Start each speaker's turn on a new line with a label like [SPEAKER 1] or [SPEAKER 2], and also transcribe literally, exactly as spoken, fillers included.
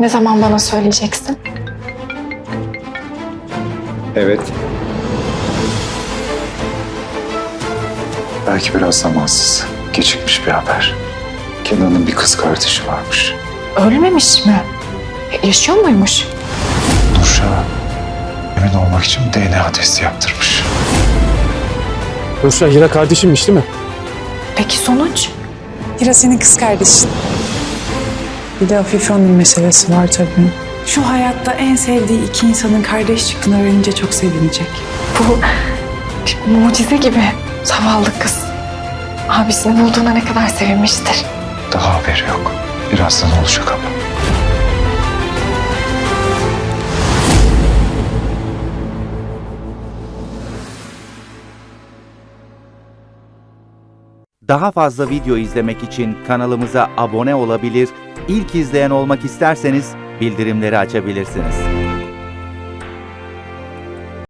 [SPEAKER 1] Ne zaman bana söyleyeceksin?
[SPEAKER 2] Evet. Belki biraz zamansız. Gecikmiş bir haber. Kenan'ın bir kız kardeşi varmış.
[SPEAKER 1] Ölmemiş mi? E, Yaşıyor muymuş?
[SPEAKER 2] Nurşah emin olmak için D N A testi yaptırmış.
[SPEAKER 3] Nurşah Hira kardeşimmiş değil mi?
[SPEAKER 1] Peki sonuç?
[SPEAKER 4] Hira senin kız kardeşin. Bir de Afife Hanım meselesi var tabii. Şu hayatta en sevdiği iki insanın kardeş çıktığını öğrenince çok sevinecek.
[SPEAKER 1] Bu bir mucize gibi. Zavallı kız. Abisini bulduğuna ne kadar sevinmiştir.
[SPEAKER 2] Daha haberi yok. Birazdan olacak ama.
[SPEAKER 5] Daha fazla video izlemek için kanalımıza abone olabilir, ilk izleyen olmak isterseniz bildirimleri açabilirsiniz.